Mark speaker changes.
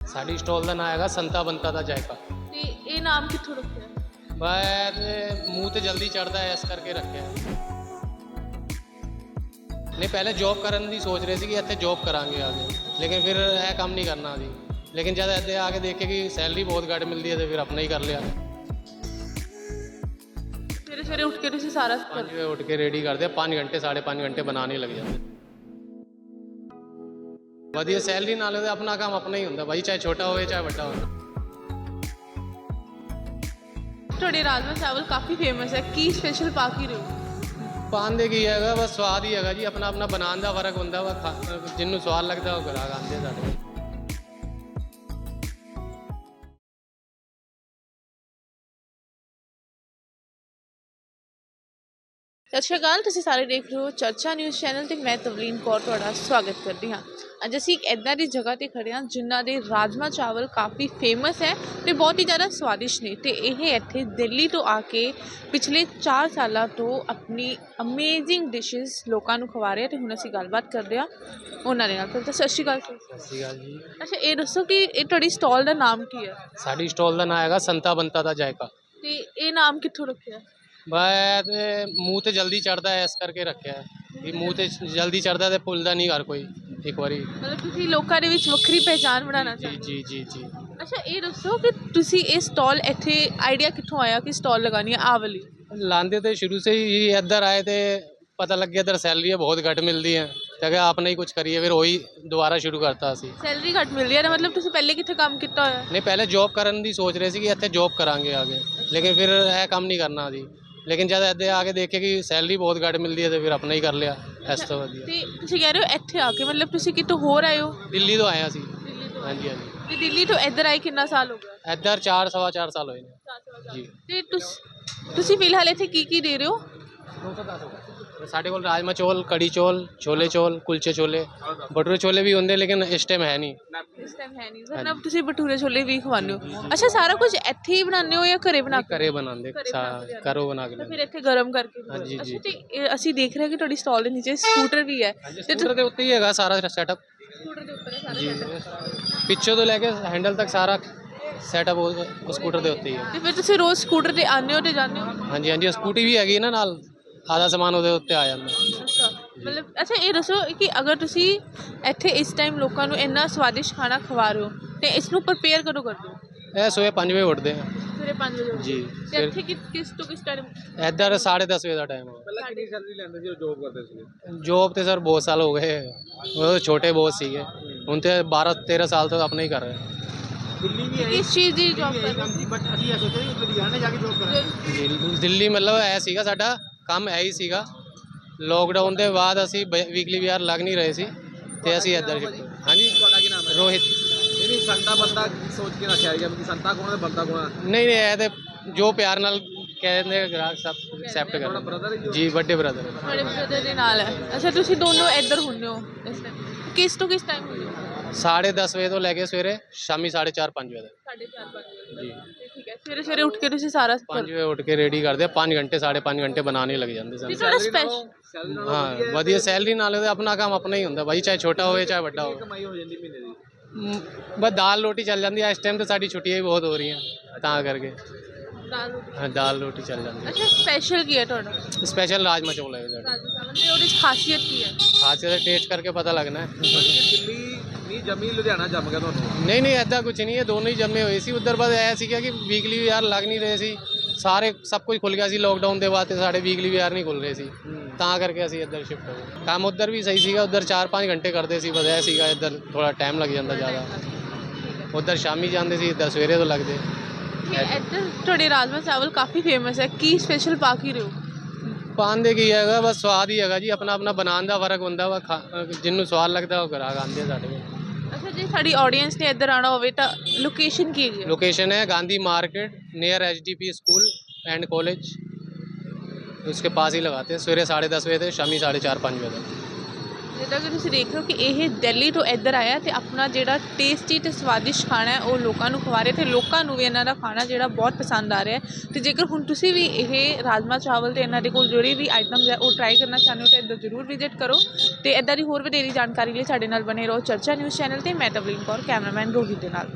Speaker 1: ਸਾਡੀ ਸਟਾਲ ਦਾ ਨਾਮ ਹੈਗਾ ਸੰਤਾ ਬੰਤਾ ਦਾ ਜਾਇਕਾ।
Speaker 2: ਤੇ ਇਹ ਨਾਮ ਕਿੱਥੋਂ ਰੱਖਿਆ?
Speaker 1: ਮੈਂ ਮੂੰਹ ਤੇ ਜਲਦੀ ਚੜਦਾ ਹੈ ਇਸ ਕਰਕੇ ਰੱਖਿਆ। ਨਹੀਂ ਪਹਿਲੇ ਜੌਬ ਕਰਨ ਦੀ ਸੋਚ ਰਹੇ ਸੀ ਕਿ ਇੱਥੇ ਜੌਬ ਕਰਾਂਗੇ ਆਗੇ, ਲੇਕਿਨ ਫਿਰ ਇਹ ਕੰਮ ਨਹੀਂ ਕਰਨਾ ਸੀ। ਲੇਕਿਨ ਜਦ ਇੱਥੇ ਆ ਕੇ ਦੇਖੇ ਕਿ ਸੈਲਰੀ ਬਹੁਤ ਘੱਟ ਮਿਲਦੀ ਹੈ ਤੇ ਫਿਰ ਆਪਣਾ ਹੀ ਕਰ ਲਿਆ।
Speaker 2: ਸਵੇਰੇ ਸਵੇਰੇ ਉੱਠ ਕੇ ਤੁਸੀਂ ਸਾਰਾ
Speaker 1: 5 ਵਜੇ ਉੱਠ ਕੇ ਰੈਡੀ ਕਰਦੇ ਆ, 5 घंटे 5.5 घंटे बनाने लग जाते। ਵਧੀਆ ਸੈਲਰੀ ਨਾਲ ਉਹਦਾ ਆਪਣਾ ਕੰਮ ਆਪਣਾ ਹੀ ਹੁੰਦਾ ਭਾਈ, ਚਾਹੇ ਛੋਟਾ ਹੋਵੇ ਚਾਹੇ ਵੱਡਾ ਹੋਵੇ।
Speaker 2: ਤੁਹਾਡੇ ਰਾਜਮਾ ਚਾਵਲ ਕਾਫੀ ਫੇਮਸ ਹੈ, ਕੀ ਸਪੈਸ਼ਲ ਪਾ ਕੇ ਰਹੇ ਹੋ?
Speaker 1: ਪਾਣ ਦੇ ਕੀ ਹੈਗਾ, ਬਸ ਸਵਾਦ ਹੀ ਹੈਗਾ ਜੀ, ਆਪਣਾ ਆਪਣਾ ਬਣਾਉਣ ਦਾ ਫਰਕ ਹੁੰਦਾ ਵਾ। ਜਿਹਨੂੰ ਸਵਾਦ ਲੱਗਦਾ ਉਹ ਗ੍ਰਾਹਕ ਆਉਂਦੇ ਆ ਸਾਡੇ।
Speaker 2: ਸਤਿ ਸ਼੍ਰੀ ਅਕਾਲ, ਤੁਸੀਂ ਸਾਰੇ ਦੇਖ ਰਹੇ ਹੋ ਚਰਚਾ ਨਿਊਜ਼ ਚੈਨਲ ਤੇ ਮੈਂ ਤਵਲੀਨ ਕੌਰ ਤੁਹਾਡਾ ਸਵਾਗਤ ਕਰਦੀ ਹਾਂ। ਅੱਜ ਅਸੀਂ ਇੱਕ ਇੱਦਾਂ ਦੀ ਜਗ੍ਹਾ ਤੇ ਖੜੇ ਹਾਂ ਜਿਨ੍ਹਾਂ ਦੇ ਰਾਜਮਾ ਚਾਵਲ ਕਾਫੀ ਫੇਮਸ ਹੈ ਤੇ ਬਹੁਤ ਹੀ ਜ਼ਿਆਦਾ ਸਵਾਦਿਸ਼ਟ ਨੇ। ਤੇ ਇਹ ਇੱਥੇ ਦਿੱਲੀ ਤੋਂ ਆ ਕੇ ਪਿਛਲੇ 4 ਸਾਲਾਂ ਤੋਂ ਆਪਣੀ ਅਮੇਜ਼ਿੰਗ ਡਿਸ਼ਿਸ ਲੋਕਾਂ ਨੂੰ ਖਵਾ ਰਹੇ ਤੇ ਹੁਣ ਅਸੀਂ ਗੱਲਬਾਤ ਕਰਦੇ ਹਾਂ ਉਹਨਾਂ ਦੇ ਨਾਲ। ਤਾਂ ਸਤਿ ਸ਼੍ਰੀ ਅਕਾਲ ਸਰ।
Speaker 1: ਸਤਿ ਸ਼੍ਰੀ ਅਕਾਲ ਜੀ।
Speaker 2: ਅੱਛਾ, ਇਹ ਦੱਸੋ ਕਿ ਇਹ ਤੁਹਾਡੀ ਸਟਾਲ ਦਾ ਨਾਮ ਕੀ ਹੈ?
Speaker 1: ਸਾਡੀ ਸਟਾਲ ਦਾ ਨਾਮ ਹੈਗਾ ਸੰਤਾ ਬੰਤਾ ਦਾ ਜਾਇਕਾ।
Speaker 2: ਤੇ ਇਹ ਨਾਮ ਕਿੱਥੋਂ ਰੱਖਿਆ?
Speaker 1: ਮੈਂ ਮੂੰਹ ਤੇ ਜਲਦੀ ਚੜਦਾ ਹੈ ਇਸ ਕਰਕੇ ਰੱਖਿਆ ਕਿ ਮੂੰਹ ਤੇ ਜਲਦੀ ਚੜਦਾ ਤੇ ਭੁੱਲਦਾ ਨਹੀਂ ਹਰ ਕੋਈ ਇੱਕ ਵਾਰੀ।
Speaker 2: ਮਤਲਬ ਤੁਸੀਂ ਲੋਕਾਂ ਦੇ ਵਿੱਚ ਵੱਖਰੀ ਪਹਿਚਾਣ ਬਣਾਉਣਾ
Speaker 1: ਜੀ
Speaker 2: ਚਾਹੁੰਦੇ
Speaker 1: ਜੀ ਜੀ ਜੀ।
Speaker 2: ਅੱਛਾ, ਇਹ ਦੱਸੋ ਕਿ ਤੁਸੀਂ ਇਹ ਸਟਾਲ ਇੱਥੇ ਆਈਡੀਆ ਕਿੱਥੋਂ ਆਇਆ ਕਿ ਸਟਾਲ ਲਗਾਉਣੀ ਹੈ ਆਹ ਵਾਲੀ?
Speaker 1: लाते थे शुरू से ही, इधर आए थे, पता लग गया इधर सैलरी बहुत घट मिलती है, तो क्या आपने ही कुछ करिए, फिर वही दोबारा शुरू करता सी।
Speaker 2: ਸੈਲਰੀ ਘੱਟ ਮਿਲਦੀ ਹੈ ਨਾ? ਮਤਲਬ ਤੁਸੀਂ ਪਹਿਲੇ ਕਿੱਥੇ ਕੰਮ ਕੀਤਾ ਹੋਇਆ?
Speaker 1: नहीं पहले जॉब करने की सोच रहे थे कि इतने जॉब करांगे आगे, लेकिन फिर यह काम नहीं करना सी। लेकिन जब इतने आके देखे कि सैलरी बहुत घट मिलती है तो फिर अपना ही कर लिया इस तो वधिया।
Speaker 2: ਤੇ ਤੁਸੀਂ ਕਹਿ ਰਹੇ ਹੋ ਇੱਥੇ ਆ ਕੇ, ਮਤਲਬ ਤੁਸੀਂ ਕਿਤੋਂ ਹੋਰ ਆਏ ਹੋ?
Speaker 1: दिल्ली तो आया सी।
Speaker 2: ਦਿੱਲੀ ਤੋਂ?
Speaker 1: हाँ जी हाँ जी।
Speaker 2: ਤੇ ਦਿੱਲੀ ਤੋਂ ਇੱਧਰ ਆਏ ਕਿੰਨਾ ਸਾਲ ਹੋ ਗਿਆ?
Speaker 1: इधर 4 सवा 4 साल हुए ने जी।
Speaker 2: ਤੇ ਤੁਸੀਂ ਫਿਲਹਾਲ ਇੱਥੇ ਕੀ ਕੀ ਦੇ ਰਹੇ ਹੋ?
Speaker 1: ਸਾਡੇ ਕੋਲ ਰਾਜਮਾ ਚੌਲ, ਕੜੀ ਚੌਲ, ਛੋਲੇ ਚੌਲ, ਕੁਲਚੇ ਛੋਲੇ, ਭਟੂਰੇ ਛੋਲੇ ਵੀ ਹੁੰਦੇ ਲੇਕਿਨ ਇਸ ਟਾਈਮ ਹੈ ਨਹੀਂ।
Speaker 2: ਇਸ ਟਾਈਮ ਹੈ ਨਹੀਂ ਸਰ। ਨਾ ਤੁਸੀਂ ਭਟੂਰੇ ਛੋਲੇ ਵੀ ਖਵਾਉਂਦੇ ਹੋ? ਅੱਛਾ, ਸਾਰਾ ਕੁਝ ਇੱਥੇ ਹੀ ਬਣਾਉਂਦੇ ਹੋ ਜਾਂ ਘਰੇ ਬਣਾ ਕੇ?
Speaker 1: ਘਰੇ ਬਣਾਉਂਦੇ, ਘਰੋਂ ਬਣਾ ਕੇ
Speaker 2: ਤਾਂ ਫਿਰ ਇੱਥੇ ਗਰਮ ਕਰਕੇ?
Speaker 1: हाँ जी जी।
Speaker 2: ਤੇ ਅਸੀਂ ਦੇਖ ਰਹੇ ਹਾਂ ਕਿ ਤੁਹਾਡੀ ਸਟਾਲ ਦੇ ਨੀਚੇ ਸਕੂਟਰ ਵੀ ਹੈ। ਤੇ
Speaker 1: ਸਕੂਟਰ ਦੇ ਉੱਤੇ ਹੀ ਹੈਗਾ ਸਾਰਾ ਸੈਟਅਪ
Speaker 2: ਸਕੂਟਰ ਦੇ ਉੱਪਰ ਹੈ ਸਾਰਾ
Speaker 1: ਜੀ,
Speaker 2: setup।
Speaker 1: ਪਿੱਛੋਂ ਤੋਂ ਲੈ ਕੇ ਹੈਂਡਲ ਤੱਕ ਸਾਰਾ ਸੈਟਅਪ ਉਹ ਸਕੂਟਰ ਦੇ ਉੱਤੇ ਹੀ ਹੈ।
Speaker 2: ਤੇ ਫਿਰ ਤੁਸੀਂ ਰੋਜ਼ ਸਕੂਟਰ ਤੇ ਆਉਂਦੇ ਹੋ ਤੇ ਜਾਂਦੇ ਹੋ?
Speaker 1: ਹਾਂਜੀ ਹਾਂਜੀ, ਸਕੂਟੀ ਵੀ ਹੈਗੀ ਨਾ ਨਾਲ, ਆधा ਸਮਾਨ ਉਹਦੇ ਉੱਤੇ ਆ ਜਾਂਦਾ।
Speaker 2: ਅੱਛਾ, ਮਤਲਬ ਅੱਛਾ ਇਹ ਦੱਸੋ ਕਿ ਅਗਰ ਤੁਸੀਂ ਇੱਥੇ ਇਸ ਟਾਈਮ ਲੋਕਾਂ ਨੂੰ ਇੰਨਾ ਸਵਾਦਿਸ਼ਟ ਖਾਣਾ ਖਵਾ ਰਹੇ ਹੋ ਤੇ ਇਸ ਨੂੰ ਪ੍ਰਪੇਅਰ ਕਦੋਂ ਕਰਦੇ ਹੋ?
Speaker 1: ਇਹ ਸਵੇਰੇ 5 ਵਜੇ ਉੱਠਦੇ ਆ
Speaker 2: ਸਵੇਰੇ 5 ਵਜੇ?
Speaker 1: ਜੀ।
Speaker 2: ਤੇ ਇੱਥੇ ਕਿਸ ਤੋਂ ਕਿਸ ਟਾਈਮ?
Speaker 1: ਇੱਧਰ 10:30 ਵਜੇ ਦਾ ਟਾਈਮ ਹੈ।
Speaker 3: ਪਹਿਲਾਂ ਕਿੰਨੀ ਸੈਲਰੀ ਲੈਂਦੇ ਸੀ ਉਹ ਜੋਬ ਕਰਦੇ ਸੀ?
Speaker 1: ਜੋਬ ਤੇ ਸਰ ਬਹੁਤ ਸਾਲ ਹੋ ਗਏ, ਉਹ ਛੋਟੇ ਬਹੁਤ ਸੀਗੇ, ਹੁਣ ਤੇ 12-13 ਸਾਲ ਤੋਂ ਆਪਣਾ ਹੀ ਕਰ ਰਹੇ।
Speaker 3: ਦਿੱਲੀ ਵੀ ਹੈ
Speaker 2: ਕਿਸ ਚੀਜ਼ ਦੀ ਜੌਬ ਕਰ ਰਹੇ
Speaker 3: ਸੀ, ਬਟ ਅਸੀਂ ਇਹ ਸੋਚਿਆ ਕਿ ਲੁਧਿਆਣੇ ਜਾ ਕੇ ਜੋਬ ਕਰਾਂਗੇ।
Speaker 2: ਹੋ?
Speaker 1: ਜੀ ਦਿੱਲੀ ਮਤਲਬ ਇਹ ਸੀਗਾ ਸਾਡਾ ਕੰਮ ਇਹ ਹੀ ਸੀਗਾ। ਲੋਕਡਾਊਨ ਦੇ ਬਾਅਦ ਅਸੀਂ ਵੀਕਲੀ ਵੀਆਰ ਲੱਗ ਨਹੀਂ ਰਹੇ ਸੀ ਤੇ ਅਸੀਂ ਇੱਧਰ ਸ਼ਿਫਟ। ਹਾਂਜੀ,
Speaker 3: ਤੁਹਾਡਾ ਕੀ ਨਾਮ ਹੈ?
Speaker 1: ਰੋਹਿਤ।
Speaker 3: ਨਹੀਂ ਸੰਤਾ ਬੰਦਾ ਸੋਚ ਕੇ ਰੱਖਿਆ ਗਿਆ ਕਿ ਸੰਤਾ ਕੌਣ ਹੈ ਬੰਦਾ ਕੌਣ ਹੈ?
Speaker 1: ਨਹੀਂ ਨਹੀਂ, ਇਹ ਤੇ ਜੋ ਪਿਆਰ ਨਾਲ ਕਹਿੰਦੇ ਗ੍ਰਾਹਕ ਸਭ ਐਕਸੈਪਟ
Speaker 3: ਤੁਹਾਡਾ
Speaker 1: ਕਰਦੇ
Speaker 3: ਬ੍ਰਦਰ ਹੈ
Speaker 1: ਜੀ, ਵੱਡੇ ਬ੍ਰਦਰ।
Speaker 2: ਤੁਹਾਡੇ ਬ੍ਰਦਰ ਦੇ ਨਾਲ ਹੈ? ਅੱਛਾ, ਤੁਸੀਂ ਦੋਨੋਂ ਇੱਧਰ ਹੁੰਦੇ ਹੋ ਇਸ ਟਾਈਮ? ਕਿਸ ਤੋਂ ਕਿਸ ਟਾਈਮ ਹੁੰਦੇ ਹੋ?
Speaker 1: 10:30 ਵਜੇ ਤੋਂ ਲੈ ਕੇ ਸਵੇਰੇ ਸ਼ਾਮੀ 4:30-5 ਵਜੇ ਤੱਕ
Speaker 2: 4:30-5
Speaker 1: ਜੀ।
Speaker 2: ਠੀਕ ਹੈ। ਸਵੇਰੇ ਸਵੇਰੇ ਉੱਠ ਕੇ ਤੁਸੀਂ ਸਾਰਾ
Speaker 1: 5 ਵਜੇ ਉੱਠ ਕੇ ਰੈਡੀ ਕਰਦੇ ਆ, 5 ਘੰਟੇ 5.5 ਘੰਟੇ ਬਣਾਉਣੇ ਲੱਗ ਜਾਂਦੇ
Speaker 2: ਤੇ
Speaker 1: ਸਨ।
Speaker 2: ਤੁਹਾਡਾ ਸਪੈਸ਼ਲ
Speaker 3: ਸੈਲਰੀ ਨਾਲ
Speaker 1: ਹਾਂ, ਵਧੀਆ ਸੈਲਰੀ ਨਾਲ ਉਹਦਾ ਆਪਣਾ ਕੰਮ ਆਪਣਾ ਹੀ ਹੁੰਦਾ ਭਾਈ, ਚਾਹੇ ਛੋਟਾ ਹੋਵੇ ਚਾਹੇ ਵੱਡਾ ਹੋਵੇ।
Speaker 3: ਕਮਾਈ ਹੋ ਜਾਂਦੀ ਮਹੀਨੇ ਦੀ?
Speaker 1: ਬਸ ਦਾਲ ਰੋਟੀ ਚੱਲ ਜਾਂਦੀ ਹੈ। ਇਸ ਟਾਈਮ ਤੇ ਸਾਡੀ ਛੁੱਟੀਆਂ ਵੀ ਬਹੁਤ ਹੋ ਰਹੀਆਂ ਤਾਂ ਕਰਕੇ
Speaker 2: ਦਾਲ ਰੋਟੀ?
Speaker 1: ਹਾਂ, ਦਾਲ ਰੋਟੀ ਚੱਲ ਜਾਂਦੀ
Speaker 2: ਅੱਛਾ, ਸਪੈਸ਼ਲ ਕੀ ਹੈ ਤੁਹਾਡਾ?
Speaker 1: ਹੈ। ਸਪੈਸ਼ਲ ਰਾਜਮਾ ਚੌਲ ਹੈ ਸਾਡਾ।
Speaker 2: ਰਾਜਮਾ ਚਾਵਲ ਤੇ ਉਹਦੀ ਖਾਸੀਅਤ ਕੀ ਹੈ?
Speaker 1: ਖਾਸੀਅਤ ਟੇਸਟ ਕਰਕੇ ਪਤਾ ਲੱਗਣਾ ਹੈ।
Speaker 3: ਦਿੱਲੀ ਨਹੀਂ ਜਮੀ ਲੁਧਿਆਣਾ ਜੰਮ ਗਿਆ ਤੁਹਾਨੂੰ?
Speaker 1: ਨਹੀਂ ਨਹੀਂ, ਐਦਾਂ ਕੁਝ ਨਹੀਂ ਹੈ, ਦੋਨੋਂ ਹੀ ਜੰਮੇ ਹੋਏ ਸੀ। ਉੱਧਰ ਬਸ ਇਹ ਸੀਗਾ ਕਿ ਵੀਕਲੀ ਵੀਆਰ ਲੱਗ ਨਹੀਂ ਰਹੇ ਸੀ, ਸਾਰੇ ਸਭ ਕੁਝ ਖੁੱਲ ਗਿਆ ਸੀ ਲੋਕਡਾਊਨ ਦੇ ਬਾਅਦ ਤੇ ਸਾਡੇ ਵੀਕਲੀ ਵੀਆਰ ਨਹੀਂ ਖੁੱਲ ਰਹੇ ਸੀ, ਤਾਂ ਕਰਕੇ ਅਸੀਂ ਇੱਧਰ ਸ਼ਿਫਟ ਹੋ ਗਏ। ਕੰਮ ਉੱਧਰ ਵੀ ਸਹੀ ਸੀਗਾ, ਉੱਧਰ 4-5 ਘੰਟੇ ਕਰਦੇ ਸੀ, ਬਸ ਇਹ ਸੀਗਾ ਇੱਧਰ ਥੋੜਾ ਟਾਈਮ ਲੱਗ ਜਾਂਦਾ ਜ਼ਿਆਦਾ। ਉੱਧਰ ਸ਼ਾਮੀ ਜਾਂਦੇ ਸੀ, ਇੱਧਰ ਸਵੇਰੇ ਤੋਂ ਲੱਗਦੇ।
Speaker 2: ਠੀਕ, ਇੱਧਰ ਤੁਹਾਡੇ ਰਾਜਮਾ ਚਾਵਲ ਕਾਫੀ ਫੇਮਸ ਹੈ, ਕੀ ਸਪੈਸ਼ਲ ਪਾ ਕੇ ਰਹੇ ਹੋ?
Speaker 1: ਪਾਣ ਦੇ ਕੀ ਹੈਗਾ, ਬਸ ਸਵਾਦ ਹੀ ਹੈਗਾ ਜੀ, ਆਪਣਾ ਆਪਣਾ ਬਣਾਉਣ ਦਾ ਫਰਕ ਹੁੰਦਾ ਵਾ। ਜਿਹਨੂੰ ਸਵਾਦ ਲੱਗਦਾ ਉਹ ਗ੍ਰਾਹਕ ਆਉਂਦੇ ਆ ਸਾਡੇ ਕੋਲ।
Speaker 2: ਅੱਛਾ, ਜੇ ਸਾਡੀ ਆਡੀਅנס ਨੇ ਇੱਧਰ ਆਉਣਾ ਹੋਵੇ ਤਾਂ ਲੋਕੇਸ਼ਨ ਕੀ ਹੈ?
Speaker 1: लोकेशन है Gandhi market near HDP school and college, उसके पास ही लगाते हैं। सवेरे 10:30 बजे से शामी 4:30-5 बजे तक।
Speaker 2: ਜਿੱਦਾਂ ਕਿ ਤੁਸੀਂ ਦੇਖ ਰਹੇ ਹੋ ਕਿ ਇਹ ਦਿੱਲੀ ਤੋਂ ਇੱਧਰ ਆਇਆ ਤੇ ਆਪਣਾ ਜਿਹੜਾ ਟੇਸਟੀ ਤੇ ਸਵਾਦਿਸ਼ਟ ਖਾਣਾ ਹੈ ਉਹ ਲੋਕਾਂ ਨੂੰ ਖਵਾ ਰਹੇ ਤੇ ਲੋਕਾਂ ਨੂੰ ਵੀ ਇਹਨਾਂ ਦਾ ਖਾਣਾ ਜਿਹੜਾ ਬਹੁਤ ਪਸੰਦ ਆ ਰਿਹਾ ਹੈ। ਤੇ ਜੇਕਰ ਹੁਣ ਤੁਸੀਂ ਵੀ ਇਹ ਰਾਜਮਾ ਚਾਵਲ ਤੇ ਇਹਨਾਂ ਦੇ ਕੋਲ ਜਿਹੜੀ ਵੀ ਆਈਟਮਸ ਹੈ ਉਹ ਟਰਾਈ ਕਰਨਾ ਚਾਹੁੰਦੇ ਹੋ ਤਾਂ ਇੱਧਰ ਜ਼ਰੂਰ ਵਿਜ਼ਿਟ ਕਰੋ। ਤੇ ਇੱਦਾਂ ਦੀ ਹੋਰ ਵਧੇਰੀ ਜਾਣਕਾਰੀ ਲਈ ਸਾਡੇ ਨਾਲ ਬਣੇ ਰਹੋ ਚਰਚਾ ਨਿਊਜ਼ ਚੈਨਲ ਤੇ। ਮੈਂ ਤਵਲੀਨ ਕੌਰ, ਕੈਮਰਾਮੈਨ ਰੋਹਿਤ ਦੇ ਨਾਲ।